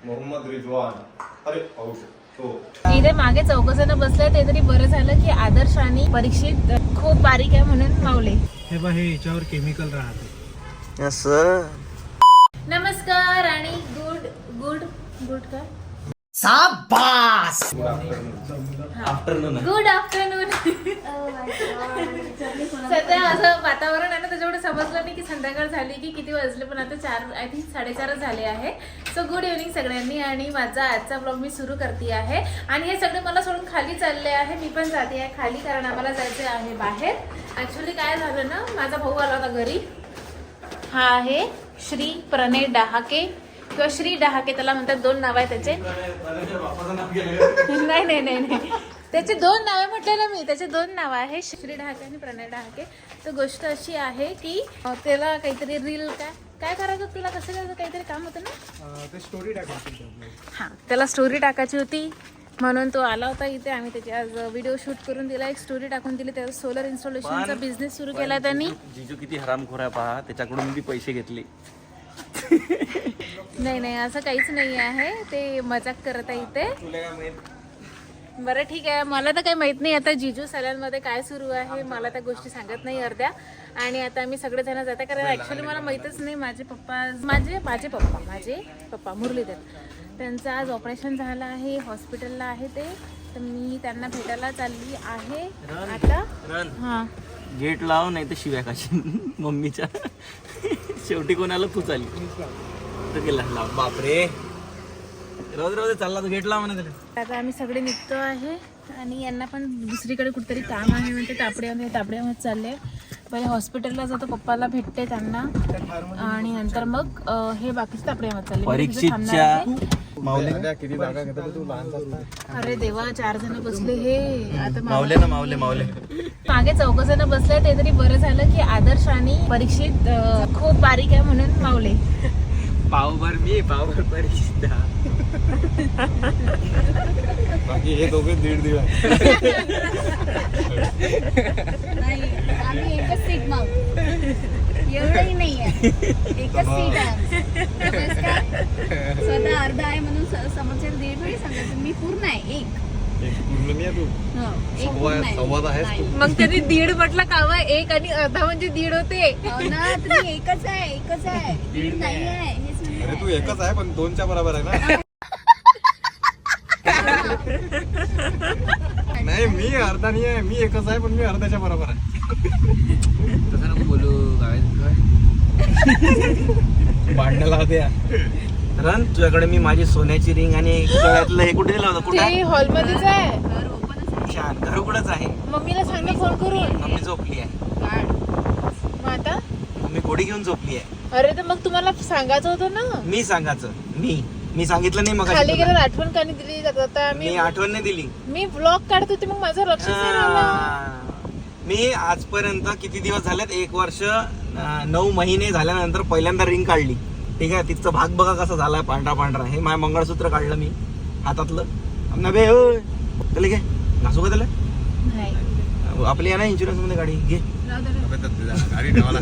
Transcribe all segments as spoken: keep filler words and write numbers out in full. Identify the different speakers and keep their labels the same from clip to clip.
Speaker 1: मोहम्मद रिजवान. अरे पाहू शकतो
Speaker 2: इथे मागे चौघ जण बसले ते तरी बरं झालं की आदर्श आणि परीक्षित खूप बारीक आहे म्हणून मावले.
Speaker 3: हे बघ हे याच्यावर केमिकल राहते.
Speaker 4: असं
Speaker 2: नमस्कार आणि गुड गुड गुड काय
Speaker 4: शाबास.
Speaker 2: Afternoon good afternoon. सध्या असं वातावरण आहे ना त्याच्यामुळे समजलं नाही की संध्याकाळ झाली की किती वाजले, पण आता चार आय थिंक साडेचारच झाले आहे. सो गुड इव्हनिंग सगळ्यांनी. आणि माझा आजचा ब्लॉग मी सुरू करते आहे आणि हे सगळे मला सोडून खाली चालले आहे. मी पण जाते आहे खाली कारण आम्हाला जायचे आहे बाहेर. ऍक्च्युली काय झालं ना, माझा भाऊ आला होता घरी. हा आहे श्री प्रणय डहाके किंवा श्री डहाके, त्याला म्हणतात. दोन नाव आहे त्याचे. नाही नाही नाही नाही त्याचे दोन नावे म्हटले ना मी. त्याचे दोन नाव आहे, श्री डहाके आणि प्रणय डहाके. तर गोष्ट अशी आहे की त्याला काहीतरी रील काय काय करायचं तुला, कसं करायचं, काहीतरी काम होतं ना.
Speaker 3: ते स्टोरी टाकायची.
Speaker 2: हां, त्याला स्टोरी टाकायची होती म्हणून तो आला होता इथे. आम्ही त्याची आज व्हिडिओ शूट करून दिला, एक स्टोरी टाकून दिली. त्याचा सोलर इन्स्टॉलेशनचा बिझनेस सुरू केला त्यांनी.
Speaker 4: जिजू किती हरामखोर आहे पहा, त्याच्याकडून मी पैसे घेतले.
Speaker 2: नाही नाही असं काहीच नाही आहे, ते मजाक करत आहे इथे. बरं ठीक आहे, मला तर काही माहित नाही आता जिजू सॅलनमध्ये काय सुरू आहे. मला त्या गोष्टी सांगत नाही अर्ध्या. आणि आता आम्ही सगळेजण जाते कारण ॲक्च्युली मला माहीतच नाही. माझे पप्पा माझे माझे पप्पा माझे पप्पा मुरलीधर, त्यांचं आज ऑपरेशन झालं आहे, हॉस्पिटलला आहे ते. तर मी त्यांना भेटायला चालली आहे आता. हां,
Speaker 4: गेट लाव नाही तर शिव्या काशी मम्मीच्या. शेवटी कोणाला तू चालली तर गेला लाव. बापरे, रोज रोज चालला तर गेट लाव म्हणा त्याला.
Speaker 2: आता आम्ही सगळे निघतो आहे आणि यांना पण दुसरीकडे कुठेतरी काम आहे म्हणते. तापड्यामध्ये तापड्यामध्ये चालले. पहिले हॉस्पिटलला जातो, पप्पाला भेटते त्यांना आणि नंतर मग हे बाकीचे तापड्यामध्ये चालले.
Speaker 4: परीक्षेच्या मावले
Speaker 1: किती जागा घेतात तू लहान.
Speaker 2: अरे देवा, चार जण बसले हे. आता
Speaker 4: मावले ना मावले मावले
Speaker 2: मागे चौघ जण बसले ते तरी बरं झालं की आदर्श आणि परीक्षित खूप बारीक आहे म्हणून मावले.
Speaker 4: पावभर मी पावभर परीक्षित.
Speaker 1: बाकी हे दोघे दीड दीड आहे.
Speaker 5: आम्ही एकच सीट मग एवढंही नाही आहे, एकच सीट आहे. स्वतः अर्धा आहे म्हणून समोरच्या दीड वेळी सांगायचं. मी पूर्ण आहे, एक
Speaker 1: पूर्ण नाही तू
Speaker 5: हो, एक पूर्ण आहे.
Speaker 1: संवाद आहेस तू.
Speaker 2: मग त्यांनी दीड म्हटलं कावा, एक आणि अर्धा म्हणजे दीड होते.
Speaker 5: हो ना, तुम्ही एकच आहे, एकच आहे, दीड नाही आहे. हेच म्हणते.
Speaker 1: अरे तू एकच आहे पण दोनच्या बरोबर आहे ना. नाही, मी अर्धा नाही आहे, मी एकच आहे पण मी अर्ध्याच्या बरोबर आहे.
Speaker 4: तसं नको बोलू. भांडणाला होत्या रन, तुझ्याकडे मी माझी सोन्याची रिंग आणि गळ्यातलं हे कुठे दिलं होतं? कुठे
Speaker 2: ते हॉलमध्येच आहे.
Speaker 5: घर ओपनच आहे.
Speaker 4: छान, घर उघडच आहे.
Speaker 2: मम्मीला सांग ना फोन करून.
Speaker 4: मम्मी झोपली आहे.
Speaker 5: काढ.
Speaker 2: मग आता
Speaker 4: मम्मी घोडी घेऊन झोपली आहे.
Speaker 2: अरे तर मग तुम्हाला सांगायचं होतं ना.
Speaker 4: मी सांगायचं, मी मी सांगितलं नाही. मग
Speaker 2: खाली गेल्यावर आठवण का नाही दिली जात. आता
Speaker 4: मी
Speaker 2: मी
Speaker 4: आठवण नाही दिली.
Speaker 2: मी ब्लॉग काढत होते मग माझं लक्षच नाही राहिलं.
Speaker 4: आ, मी आजपर्यंत किती दिवस झालेत, एक वर्ष अं, नऊ महिने झाल्यानंतर पहिल्यांदा रिंग काढली. ठीक आहे, तिचा भाग बघा कसा झालाय, पांढरा पांढरा. हे माझं मंगळसूत्र काढलं मी हातातलं. नभे होय त्याला घे, घासू का त्याला?
Speaker 2: नाही.
Speaker 4: आपली आहे ना इन्शुरन्स मध्ये गाडी, घे.
Speaker 1: गाडी ठेवायला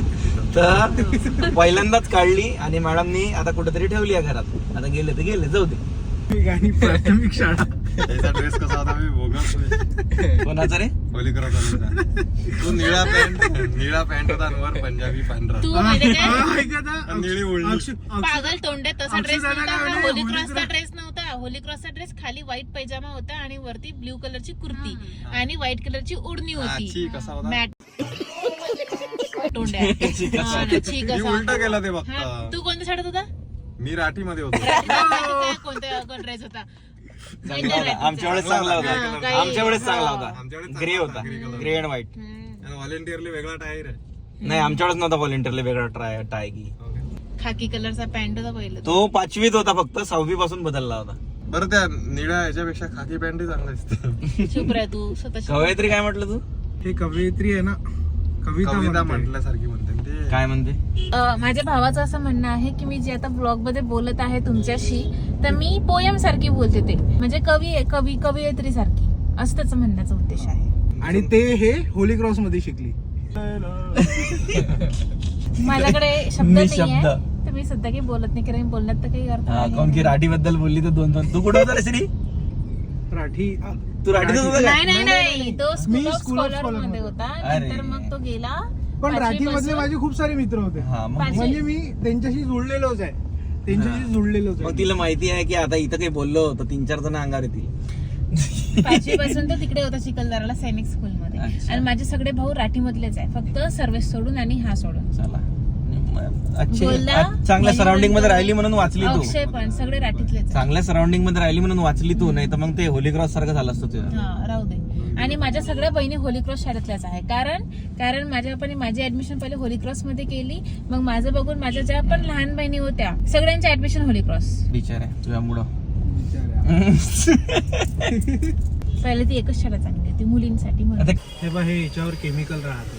Speaker 4: तर पहिल्यांदाच काढली आणि मॅडमनी आता कुठेतरी ठेवली आहे घरात. आता गेले तर गेले, जाऊ दे.
Speaker 3: आणि प्राथमिक शाळा.
Speaker 1: त्याचा ड्रेस कसा होता मी बोगस.
Speaker 4: कोणाचा रे?
Speaker 1: होली करत तू निळा पॅन्ट निळा पॅन्ट होता आणि वर पंजाबी पांढरा.
Speaker 2: तू म्हणजे काय
Speaker 1: आणि निळी ओढणी.
Speaker 2: पागल तोंड्यात तसा ड्रेस नव्हता. होली क्रॉसचा ड्रेस नव्हता. होली क्रॉसचा ड्रेस खाली व्हाईट पैजामा होता आणि वरती ब्ल्यू कलरची कुर्ती आणि व्हाईट कलरची ओढणी होती.
Speaker 1: छी, कसा होता?
Speaker 2: मॅट तोंड्यात. हा ना, छी
Speaker 1: मी
Speaker 2: कसा
Speaker 1: उलटा केला ते
Speaker 2: हा,
Speaker 1: बघता.
Speaker 2: तू कोणत्या शाळेत होता?
Speaker 1: मी राठी मध्ये होतो.
Speaker 2: कोणत्या ड्रेस होता?
Speaker 4: चांगला होता. आमच्या वेळेस चांगला
Speaker 2: हा,
Speaker 4: होता.
Speaker 2: काही-
Speaker 4: आमच्या वेळेस चांगला होता.
Speaker 1: आमच्या वेळेस
Speaker 4: ग्रे होता,
Speaker 1: grey color.
Speaker 4: Grey and white.
Speaker 1: Voluntarily वेगळा टायर आहे.
Speaker 4: नाही, आमच्या वेळेस नव्हता व्हॉलेंटियरला वेगळा ट्राय टाय की.
Speaker 2: खाकी कलरचा पॅन्ट होता पहिलं.
Speaker 4: तो पाचवीत होता, फक्त सहावी पासून बदलला होता.
Speaker 1: बरं, त्या निळ्या याच्यापेक्षा खाकी पॅन्ट चांगला दिसते.
Speaker 2: चुप राह तू स्वतः.
Speaker 4: कवयित्री काय म्हटलं तू?
Speaker 3: हे कवयित्री आहे ना, कविता
Speaker 1: कविता
Speaker 3: म्हणते.
Speaker 1: म्हटल्यासारखी म्हणते ते.
Speaker 4: काय म्हणते?
Speaker 2: अ, माझ्या भावाचं असं म्हणणं आहे की मी जे आता ब्लॉग मध्ये बोलत आहे तुमच्याशी, तर मी पोयम सारखी बोलते. ते म्हणजे कवी कवी कवयित्री सारखी, असं त्याचं म्हणण्याचा उद्देश आहे.
Speaker 3: आणि ते हे होली क्रॉस मध्ये शिकली.
Speaker 2: माझ्याकडे शब्द
Speaker 4: मी
Speaker 2: नाही
Speaker 4: शब्द.
Speaker 2: आहे, तर मी सध्या काही बोलत नाही कारण बोलण्यात तर काही अर्थ
Speaker 4: हा,
Speaker 2: नाही.
Speaker 4: काऊन की राठी बद्दल बोलली तर दोन दोन तू कुठं होता रे श्री
Speaker 3: राठी आ,
Speaker 4: तू राठीतच होता का?
Speaker 2: नाही नाही नाही तो
Speaker 3: मी
Speaker 2: school of
Speaker 3: School of
Speaker 2: scholar
Speaker 3: Scholar
Speaker 2: मध्ये
Speaker 3: मध्ये.
Speaker 2: होता
Speaker 4: अरे.
Speaker 2: नंतर मग तो गेला
Speaker 3: पण राठी मधले
Speaker 2: पाचवीपासून-
Speaker 3: माझे खूप सारे मित्र होते
Speaker 4: हा मग
Speaker 2: पाचवी-
Speaker 3: म्हणजे मी त्यांच्याशी जुळलेलोच आहे त्यांच्याशी जुळलेलोच
Speaker 4: मग
Speaker 3: आहे
Speaker 4: तिला माहिती आहे की आता इथं काही बोललो तर तीन चार जण अंगावर येतील
Speaker 2: पाचवी पासून तो तिकडे होता चिखलदराला सैनिक स्कूल मध्ये
Speaker 4: अच्छा.
Speaker 2: आणि माझे सगळे भाऊ राठी मधलेच आहे फक्त सर्व्हिस सोडून आणि हा सोडून
Speaker 4: चला अच्छे
Speaker 2: बोलला,
Speaker 4: आज चांगल्या
Speaker 2: मनी
Speaker 4: सराउंडिंग मध्ये
Speaker 2: नंतर
Speaker 4: राहिली म्हणून वाचली तू
Speaker 2: अक्षय पण सगळे राठीतलेच आहे.
Speaker 4: चांगल्या सराउंडिंग मध्ये राहिली म्हणून वाचली तू नाही तर मग ते होली क्रॉस सारखं झालं असतं तुझं
Speaker 2: हा राहू दे आणि माझ्या सगळ्या बहिणी होली क्रॉस शाळेतल्याच आहे कारण कारण माझ्या पण माझी ऍडमिशन पहिले होली क्रॉस मध्ये केली मग माझं बघून माझ्या ज्या पण लहान बहिणी होत्या सगळ्यांची ऍडमिशन होली क्रॉस
Speaker 4: विचार आहे तुझ्यामुळं
Speaker 2: पहिले ती एकच शाळा चांगली होती मुलींसाठी म्हणून.
Speaker 4: आता
Speaker 3: हे बघ हे याच्यावर केमिकल राहते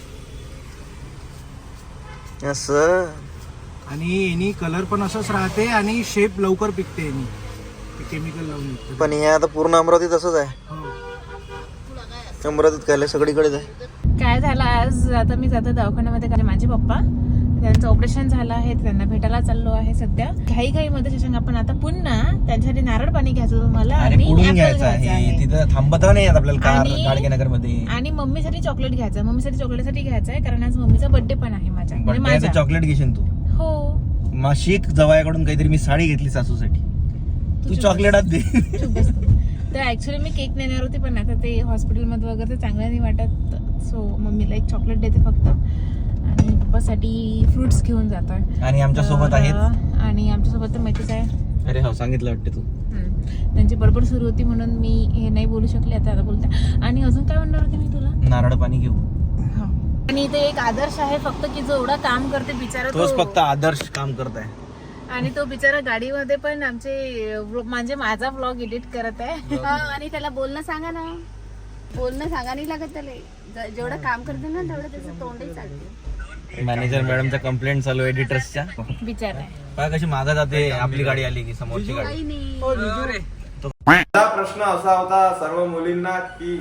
Speaker 4: असं
Speaker 3: आणि यानी कलर पण असंच राहते आणि शेप लवकर पिकते यानी केमिकल लावून निघते.
Speaker 4: पण हे आता पूर्ण अमरावतीत असंच आहे
Speaker 3: हो.
Speaker 4: अमरावतीत काय सगळीकडेच आहे
Speaker 2: काय झालं आज आता मी जातो दवाखान्यामध्ये कारण माझे पप्पा त्यांचं ऑपरेशन झालं आहे त्यांना भेटायला चाललो आहे सध्या घाई घाई मध्ये शशांक आपण आता पुन्हा त्यांच्यासाठी नारळ पाणी घ्यायचं तुम्हाला
Speaker 4: अरे
Speaker 2: आणि
Speaker 4: पुढून
Speaker 2: apple
Speaker 4: घ्यायचं
Speaker 2: घ्यायचं
Speaker 4: आहे
Speaker 2: आहे.
Speaker 4: तिथं थांबत नाही येत आपल्याला कार
Speaker 2: आणि-
Speaker 4: गाडगे नगर मध्ये
Speaker 2: आणि मम्मीसाठी चॉकलेट घ्यायचं मम्मीसाठी चॉकलेटसाठी घ्यायचं आहे कारण आज मम्मीचा बर्थडे पण आहे माझ्या म्हणजे
Speaker 4: बर्थडे
Speaker 2: माझ्या
Speaker 4: चॉकलेट घेशील तू
Speaker 2: हो
Speaker 4: मग शिक जवळकडून काहीतरी मी साडी घेतली सासूसाठी तू
Speaker 2: चुप
Speaker 4: चॉकलेटात दे
Speaker 2: चुप बस तू. तर ऍक्च्युली मी केक नेणार होती पण आता ते हॉस्पिटलमध्ये वगैरे ते चांगलं नाही वाटत सो मम्मीला एक चॉकलेट देते फक्त आणि पप्पासाठी फ्रुट्स घेऊन जातोय
Speaker 4: आणि आमच्या सोबत
Speaker 2: तर,
Speaker 4: आहेत
Speaker 2: आणि आमच्या सोबत तर माहितीच आहे
Speaker 4: अरे हो सांगितलं वाटते तू
Speaker 2: हम्म. त्यांची बडबड सुरू होती म्हणून मी हे नाही बोलू शकले आता आता बोलते आणि अजून काय म्हणणार होते मी तुला
Speaker 4: नारळ पाणी घेऊ
Speaker 2: आणि इथे एक आदर्श आहे फक्त की जो एवढा काम करते बिचारा
Speaker 4: तोच
Speaker 2: तो
Speaker 4: फक्त आदर्श काम करत आहे
Speaker 2: आणि तो बिचारा गाडीमध्ये पण आमचे म्हणजे माझा व्लॉग एडिट करत आहे
Speaker 5: हा, आणि त्याला बोलणं सांगा ना बोलणं सांगा नाही लागत त्याला ज- जेवढं काम करते ना तेवढं त्याचं तोंडही चालते
Speaker 4: मॅनेजर मॅडमच्या कंप्लेंट चालू एडिटर्सच्या
Speaker 2: बिचारा आहे
Speaker 4: काय कशी मागं जाते आपली गाडी आली की समोरची गाडी
Speaker 5: काही नाही
Speaker 1: माझा प्रश्न असा होता सर्व मुलींना की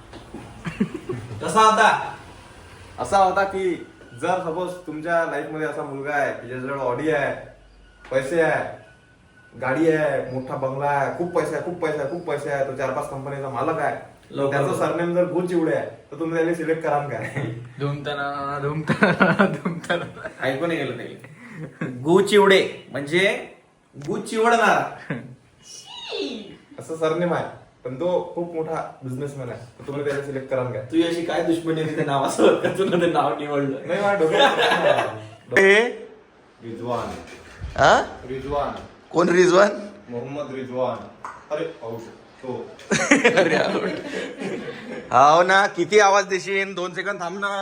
Speaker 4: कसा होता
Speaker 1: असा होता की जर सपोज तुमच्या लाईफ मध्ये असा मुलगा आहे की ज्याच्याजवळ ऑडी आहे पैसे आहे गाडी आहे मोठा बंगला आहे खूप पैसे आहे खूप पैसे आहे खूप पैसे आहे तो चार पाच कंपनीचा मालक आहे
Speaker 4: लवकर
Speaker 1: त्याचं सरनेम जर गुच चिवडे आहे तर तुम्ही त्याला सिलेक्ट कराल काय
Speaker 6: धुमताना धुमताना धुमताना
Speaker 1: ऐकू नाही गेलं काही
Speaker 4: गु चिवडे म्हणजे गु चिवडणार
Speaker 1: असं सरनेम आहे पण तो खूप मोठा बिझनेसमॅन आहे तर तुम्ही त्याला सिलेक्ट कराल काय
Speaker 4: तुझी अशी काय दुश्मनी आहे त्या नावासोबत का तुला ते नाव निवडलं
Speaker 1: नाही माझ्या डोक्यात रिजवान
Speaker 4: हा?
Speaker 1: रिजवान
Speaker 4: कोण रिजवान
Speaker 1: मोहम्मद रिजवान अरे औष तो
Speaker 4: हो ना किती आवाज देशील दोन सेकंद थांब ना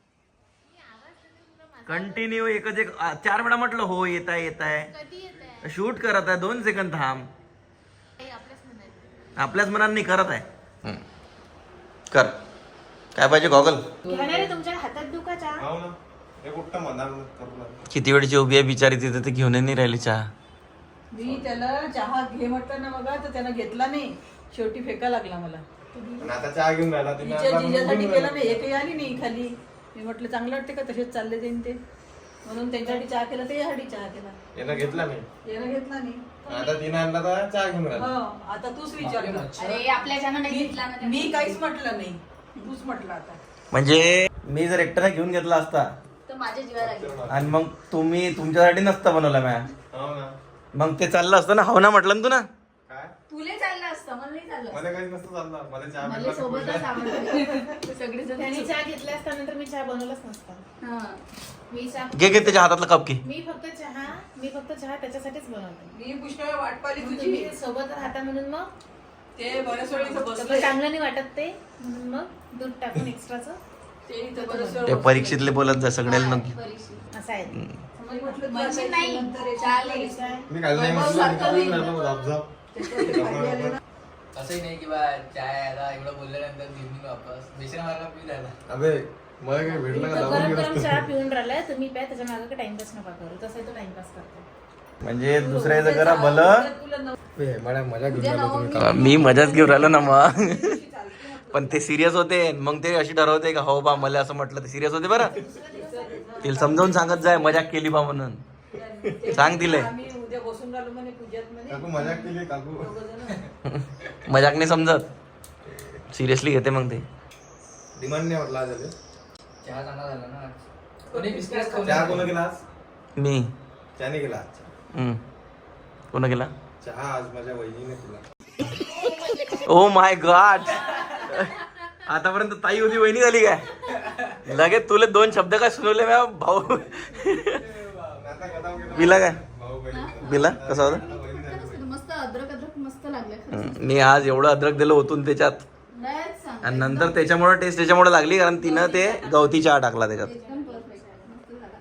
Speaker 4: कंटिन्यू एकच एक आ, चार वेळा म्हटलं हो येत आहे येत आहे शूट करत आहे दोन सेकंद थांब आपल्याच मनाने करत आहे हम्म. कर काय पाहिजे गॉगल
Speaker 2: घेणारे तुमच्या हातात दुखाचा
Speaker 1: हो ना हे कुठं मनाल करला
Speaker 4: किती वेळची उभी आहे बिचारी तिथे ते घेऊन नाही राहिली चहा
Speaker 7: मी त्याला चहा घे म्हटलं ना बघा तर त्यानं घेतला नाही शेवटी फेका लागला मला
Speaker 1: पण आता चहा घेऊन राहिला तिने
Speaker 7: तिच्या
Speaker 1: आता म्हणून
Speaker 7: जिजासाठी
Speaker 1: घेऊन
Speaker 7: केला
Speaker 1: राहिला.
Speaker 7: नाही एकही आली नाही खाली मी म्हटलं चांगलं वाटते का तसेच चालले जाईन ते म्हणून त्यांच्यासाठी चहा केला ते यासाठी चहा केला
Speaker 1: यानं घेतला नाही
Speaker 7: यानं घेतला नाही
Speaker 1: आता तिने आणला तर चहा घेऊन राहिला
Speaker 7: हो आता तूच विचार कर.
Speaker 5: अरे आपल्याच्यानं नाही घेतला ना
Speaker 7: मी काहीच म्हटलं नाही तूच म्हटलं आता
Speaker 4: म्हणजे मी जर एकट्याने घेऊन घेतला असता
Speaker 5: तर माझ्या जीवाला लागेल.
Speaker 4: आणि मग तुम्ही तुमच्यासाठी नसता बनवला मॅ
Speaker 1: हो ना
Speaker 4: मग ते चाललं असतं ना हो ना म्हटलं ना तू ना
Speaker 1: काय
Speaker 5: तुले चाललं असतं मला नाही चाललं
Speaker 1: मला काही नसतं चाललं मला चहा
Speaker 5: मला
Speaker 1: भेटला की
Speaker 5: सोबतच आवडतं सगळेजण
Speaker 2: त्यांनी चहा घेतला असता नंतर मी चहा बनवलाच नसता
Speaker 5: हा
Speaker 2: मी चहा
Speaker 4: घे घे त्याच्या हातातला कप घे
Speaker 2: मी फक्त चहा मी फक्त चहा त्याच्यासाठीच बनवते
Speaker 7: मी पुष्कळ वेळ वाट पाहिली
Speaker 2: मग
Speaker 7: तुझी
Speaker 2: तुम्ही सोबत राहता म्हणून मग
Speaker 7: ते बऱ्याच वेळ इथं
Speaker 2: सगळं
Speaker 7: बसले
Speaker 2: चांगलं नाही वाटत ते म्हणून मग दूध टाकून एक्स्ट्राचं
Speaker 7: ते इथं बऱ्याच वेळ
Speaker 4: ते
Speaker 7: बसले.
Speaker 4: परीक्षेतले बोलत जा सगळ्याला नको
Speaker 5: परीक्षेत.
Speaker 2: असं आहे
Speaker 7: मी म्हटलं तुला
Speaker 5: म्हणजे
Speaker 7: काही
Speaker 5: नाही
Speaker 7: नंतर येशील.
Speaker 5: चालेल
Speaker 1: मी काल नाही म्हटलं मी काढून राहिलो झापझाप.
Speaker 7: त्याच्यावरती खाली आले ना.
Speaker 6: असंही नाही की बा चाय आला एवढं बोलल्यानंतर घेऊन वापस बेसन मार्गा पी झाला
Speaker 1: अबे मला काही भेटलं का
Speaker 2: तो
Speaker 1: लावून
Speaker 2: गरम
Speaker 1: गेलं
Speaker 2: गरम
Speaker 1: असतं.
Speaker 2: चहा पिऊन राहिलाय तुम्ही प्या त्याच्या मागे टाइमपास नका करू तसं तो टाइमपास करतो
Speaker 4: म्हणजे दुसऱ्याचं करा भलं
Speaker 7: तुला नव-
Speaker 1: ए, मला मजा घेऊन राहिलो तुम्ही.
Speaker 4: मी मजाच घेऊन राहिलो ना मग पण ते सिरियस होते मग ते अशी ठरवते का हो बा मला असं म्हटलं ते सिरियस होते बरं तिला समजावून सांगत जाय मजाक केली बा म्हणून
Speaker 7: ते
Speaker 4: सांग तिले.
Speaker 7: आम्ही उद्या बसून राहिलो म्हणे पूजात म्हणे
Speaker 1: काकू मजाक केली काकू.
Speaker 7: दोघंजणं.
Speaker 4: मजाक नाही समजत, सिरियसली घेते मग ते.
Speaker 1: डिमांड नाही वाटला आज याले.
Speaker 6: चहा चांगला झाला ना आज. कोणी बिस्किट खाऊन
Speaker 1: चहा कोण केला आज?
Speaker 4: मी
Speaker 1: त्याने केला आज.
Speaker 4: हम्म. कोण केला?
Speaker 1: चहा आज माझ्या वहिनीने केला.
Speaker 4: ओ माय गॉड, आतापर्यंत ताई होती वहिनी झाली काय? लगेच तुला दोन शब्द काय सुनवले मॅ भाऊ. बिला काय बिला कसा होता?
Speaker 5: मस्त अद्रक अद्रक मस्त लागलं खरंच.
Speaker 4: हम्म. मी आज एवढं अद्रक दिलं होतून त्याच्यात,
Speaker 5: लयच सांग.
Speaker 4: आणि नंतर त्याच्यामुळे टेस्ट त्याच्यामुळे लागली, कारण तिनं ते गवती चहा टाकला त्याच्यात.
Speaker 5: एकदम परफेक्ट मस्त झाला.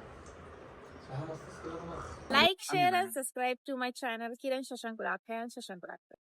Speaker 2: Like, share and subscribe to my channel Kiran Shashank Purakhar and Shashank Purakhar.